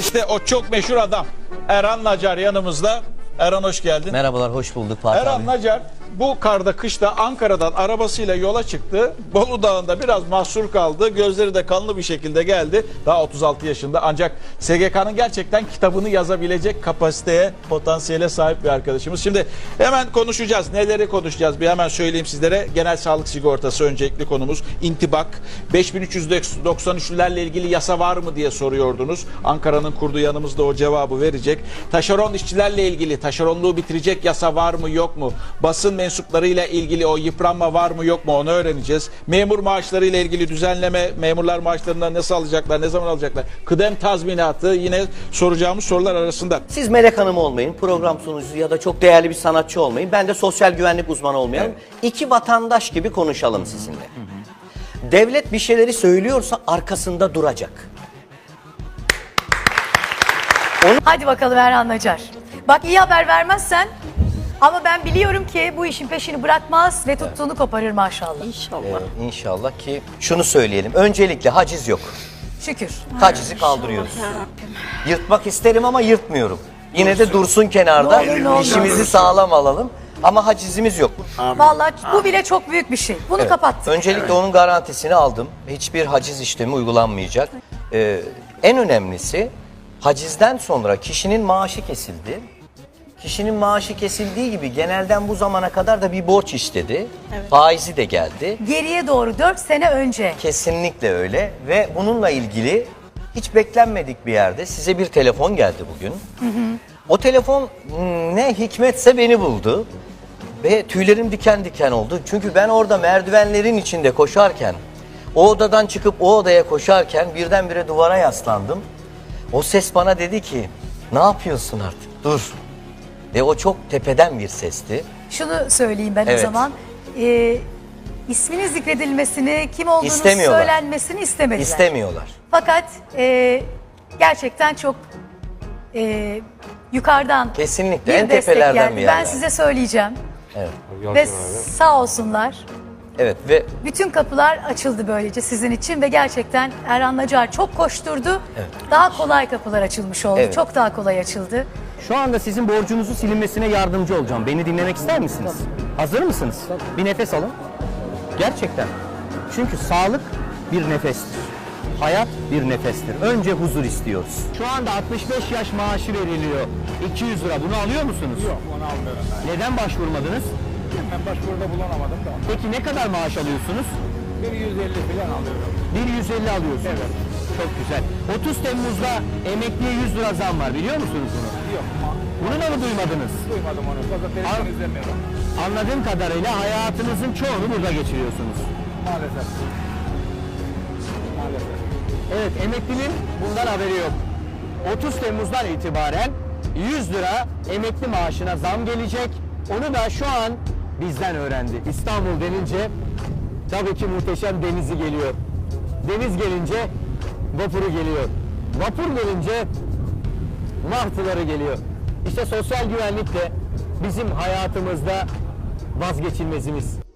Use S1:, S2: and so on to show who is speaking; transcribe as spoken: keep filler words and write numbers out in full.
S1: İşte o çok meşhur adam Erhan Nacar yanımızda. Erhan hoş geldin.
S2: Merhabalar, hoş bulduk Fatih
S1: Erhan
S2: abi.
S1: Nacar bu karda kışta Ankara'dan arabasıyla yola çıktı. Bolu Dağı'nda biraz mahsur kaldı. Gözleri de kanlı bir şekilde geldi. Daha otuz altı yaşında ancak S G K'nın gerçekten kitabını yazabilecek kapasiteye, potansiyele sahip bir arkadaşımız. Şimdi hemen konuşacağız. Neleri konuşacağız? Bir hemen söyleyeyim sizlere. Genel sağlık sigortası öncelikli konumuz. İntibak. beş bin üç yüz doksan üçlülerle ilgili yasa var mı diye soruyordunuz. Ankara'nın kurduğu yanımızda o cevabı verecek. Taşeron işçilerle ilgili taşeronluğu bitirecek yasa var mı yok mu? Basın mensuplarıyla ilgili o yıpranma var mı yok mu onu öğreneceğiz. Memur maaşlarıyla ilgili düzenleme, memurlar maaşlarından nasıl alacaklar, ne zaman alacaklar? Kıdem tazminatı yine soracağımız sorular arasında.
S2: Siz Melek Hanım olmayın, program sunucusu ya da çok değerli bir sanatçı olmayın. Ben de sosyal güvenlik uzmanı olmayalım. Evet. İki vatandaş gibi konuşalım sizinle. Hı hı. Devlet bir şeyleri söylüyorsa arkasında duracak.
S3: Onu... Hadi bakalım Erhan Nacar. Bak iyi haber vermezsen ama ben biliyorum ki bu işin peşini bırakmaz ve tuttuğunu evet. koparır maşallah.
S2: İnşallah. Ee, inşallah ki şunu söyleyelim. Öncelikle haciz yok.
S3: Şükür.
S2: Hacizi kaldırıyoruz. Yırtmak isterim ama yırtmıyorum. Yine de dursun kenarda.
S3: Ne olur, ne olur.
S2: İşimizi sağlam alalım. Ama hacizimiz yok.
S3: Vallahi bu bile çok büyük bir şey. Bunu
S2: evet.
S3: kapattık.
S2: Öncelikle evet. onun garantisini aldım. Hiçbir haciz işlemi uygulanmayacak. Ee, en önemlisi hacizden sonra kişinin maaşı kesildi. Kişinin maaşı kesildiği gibi genelden bu zamana kadar da bir borç istedi. Evet. Faizi de geldi.
S3: Geriye doğru dört sene önce.
S2: Kesinlikle öyle ve bununla ilgili hiç beklenmedik bir yerde size bir telefon geldi bugün. Hı hı. O telefon ne hikmetse beni buldu ve tüylerim diken diken oldu. Çünkü ben orada merdivenlerin içinde koşarken, o odadan çıkıp o odaya koşarken birdenbire duvara yaslandım. O ses bana dedi ki, ne yapıyorsun artık? Dur. Ve o çok tepeden bir sesti.
S3: Şunu söyleyeyim ben
S2: evet.
S3: o zaman. Ee, isminin zikredilmesini, kim olduğunu söylenmesini istemediler.
S2: İstemiyorlar.
S3: Fakat e, gerçekten çok e, yukarıdan
S2: kesinlikle
S3: bir
S2: en
S3: destek
S2: tepelerden
S3: geldi.
S2: bir
S3: Ben
S2: yerler.
S3: size söyleyeceğim.
S2: Evet.
S3: Ve sağ olsunlar.
S2: Evet ve
S3: bütün kapılar açıldı böylece sizin için ve gerçekten Erhan Nacar çok koşturdu.
S2: Evet.
S3: Daha kolay kapılar açılmış oldu.
S2: Evet.
S3: Çok daha kolay açıldı.
S4: Şu anda sizin borcunuzun silinmesine yardımcı olacağım. Beni dinlemek ister misiniz? Hazır mısınız? Bir nefes alın. Gerçekten. Çünkü sağlık bir nefestir. Hayat bir nefestir. Önce huzur istiyoruz. Şu anda altmış beş yaş maaşı veriliyor. iki yüz lira. Bunu alıyor musunuz?
S5: Yok, onu almıyorum ben.
S4: Neden başvurmadınız?
S5: Ben başvuruda bulunamadım da.
S4: Peki ne kadar maaş alıyorsunuz?
S5: bir yüz elli falan alıyorum.
S4: bir yüz elli alıyorsunuz.
S5: Evet.
S4: Çok güzel. otuz Temmuz'da emekliye yüz lira zam var. Biliyor musunuz bunu?
S5: Yok.
S4: Bunu da mı duymadınız?
S5: Duymadım onu. Fazla televizyon
S4: An-
S5: izlemiyorum.
S4: Anladığım kadarıyla hayatınızın çoğunu burada geçiriyorsunuz.
S5: Maalesef. Maalesef.
S4: Evet, emeklinin bundan haberi yok. otuz Temmuz'dan itibaren yüz lira emekli maaşına zam gelecek. Onu da şu an bizden öğrendi. İstanbul denince tabii ki muhteşem denizi geliyor. Deniz gelince vapuru geliyor. Vapur gelince martıları geliyor. İşte sosyal güvenlik de bizim hayatımızda vazgeçilmezimiz.